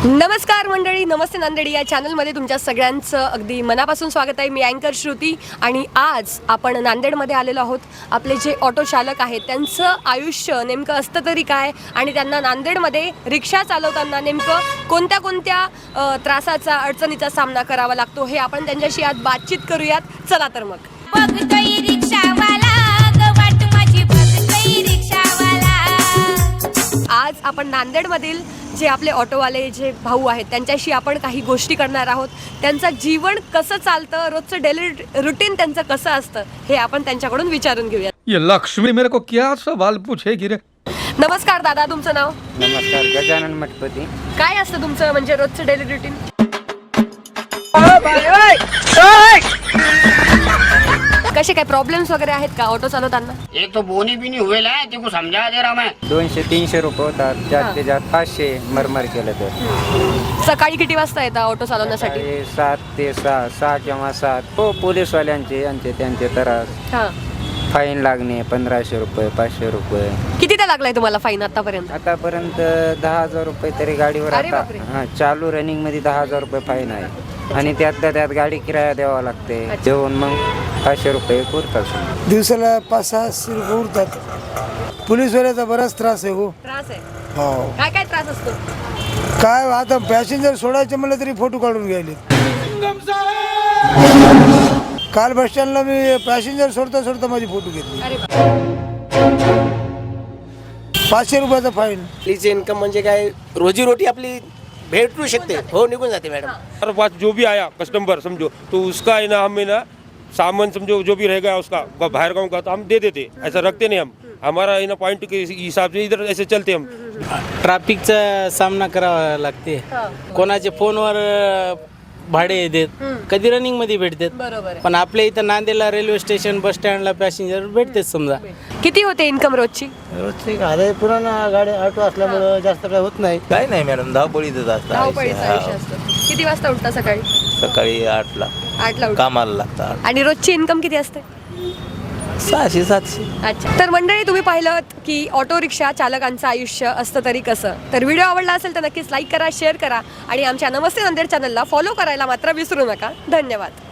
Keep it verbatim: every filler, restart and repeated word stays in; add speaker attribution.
Speaker 1: नमस्कार मंडळी, नमस्ते नांदेडी या चॅनलमध्ये तुमच्या सगळ्यांचं अगदी मनापासून स्वागत आहे. मी अँकर श्रुती आणि आज आपण नांदेडमध्ये आलेलो आहोत. आपले जे ऑटो चालक आहेत त्यांचं आयुष्य नेमकं असतं तरी काय आणि त्यांना नांदेडमध्ये रिक्षा चालवताना नेमकं कोणत्या कोणत्या त्रासाचा अडचणीचा सामना करावा लागतो हे आपण त्यांच्याशी आज बातचीत करूयात. चला तर मग.
Speaker 2: बघतोय रिक्षावाला ग वाट माझी बघतोय रिक्षावाला.
Speaker 1: आज आपण नांदेडमधील जे आपले ऑटोवाले जे भाऊ आहेत त्यांच्याशी आपण काही गोष्टी करणार आहोत. त्यांचं जीवन कसं चालतं, रोजचं डेली रुटीन त्यांचं कसं असतं हे आपण त्यांच्याकडून विचारून घेऊया.
Speaker 3: ये लक्ष्मी मेरे को क्या सवाल पूछेगी रे.
Speaker 1: नमस्कार दादा, तुमचं नाव?
Speaker 4: नमस्कार, गजानन मठपती.
Speaker 1: काय असतं तुमचं म्हणजे रोजचं डेली रुटीन? कसे काय प्रॉब्लेम्स वगैरे आहेत का ऑटो चालवताना?
Speaker 5: एक तो बोनी भी नहीं हुए है, तेको समझा दे रहा मैं.
Speaker 4: दोनशे तीनशे रुपये होतात, जास्तीत जास्त पाचशे मरमर केलं तर.
Speaker 1: सकाळी किती वाजता येतात ऑटो चालवण्यासाठी?
Speaker 4: सकाळी सात ते सहा सहा किंवा सात. हो, पोलीसवाल्यांचे यांचे त्यांचे त्रास.
Speaker 1: हा,
Speaker 4: फाईन लागणे पंधराशे रुपये पाचशे रुपये.
Speaker 1: कितीदा लागलाय तुम्हाला फाईन आतापर्यंत?
Speaker 4: आतापर्यंत दहा हजार रुपये तरी गाडीवर.
Speaker 1: अरे
Speaker 4: आता
Speaker 1: बापरे.
Speaker 4: हा, चालू रनिंग मध्ये दहा हजार रुपये फाईन आहे आणि त्यातल्या त्यात गाडी किराया द्यावा लागते. जेवण मग पाचशे रुपये पुरतात.
Speaker 6: दिवसाला पाच सहाशे रुपये उरतात. पोलीसवाल्याचा बराच त्रास आहे. हो,
Speaker 1: त्रास आहे.
Speaker 6: हो.
Speaker 1: काय काय त्रास असतो?
Speaker 6: काय आता पॅसेंजर सोडायचे म्हणलं तरी फोटो काढून घ्यायले. काल बस स्टँडला मी पॅसेंजर सोडता सोडता माझी फोटो घेतली.
Speaker 1: अरे बापरे.
Speaker 6: पाचशे रुपयाचा फाईन.
Speaker 7: आपलीचे इन्कम म्हणजे काय, रोजीरोटी आपली भेटू शकते. हो, निघून जाते मॅडम.
Speaker 3: हमारे पास जो भी आया कस्टमर समझो तो उसका है ना, हमें ना सामान समझो जो भी रह गया उसका बाहर गाँव का तो हम दे देते. ऐसा रखते नहीं हम. हमारा है ना पॉइंट के हिसाब से इधर ऐसे चलते हम.
Speaker 8: ट्रॅफिकचा सामना करावा लागते. कोणाचे फोनवर भाडे देत, कधी रनिंग मध्ये भेटतात.
Speaker 1: बरोबर आहे.
Speaker 8: पण आपल्या इथं नांदेडला रेल्वे स्टेशन बस स्टँडला पॅसेंजर भेटतेच. समजा
Speaker 1: किती होते इन्कम रोजची?
Speaker 6: अरे पुराणा गाडी ऑटो असल्यामुळं जास्त काय होत नाही.
Speaker 9: काय नाही मॅडम, धावपळीतच असतं.
Speaker 1: धावपळीचं आयुष्य असतं. किती वाजता उठता सकाळी?
Speaker 9: सकाळी आठला
Speaker 1: आठला उठता.
Speaker 9: कामाला लागतात.
Speaker 1: आणि रोजची इन्कम किती असते?
Speaker 9: सहाशे सातशे.
Speaker 1: अच्छा, तर मंडळी तुम्ही पाहिलं की ऑटो रिक्षा चालकांचं आयुष्य असतं तरी कसं. तर व्हिडिओ आवडला असेल तर नक्कीच लाईक करा, शेअर करा आणि आमच्या नमस्ते नांदेड चॅनलला फॉलो करायला मात्र विसरू नका. धन्यवाद.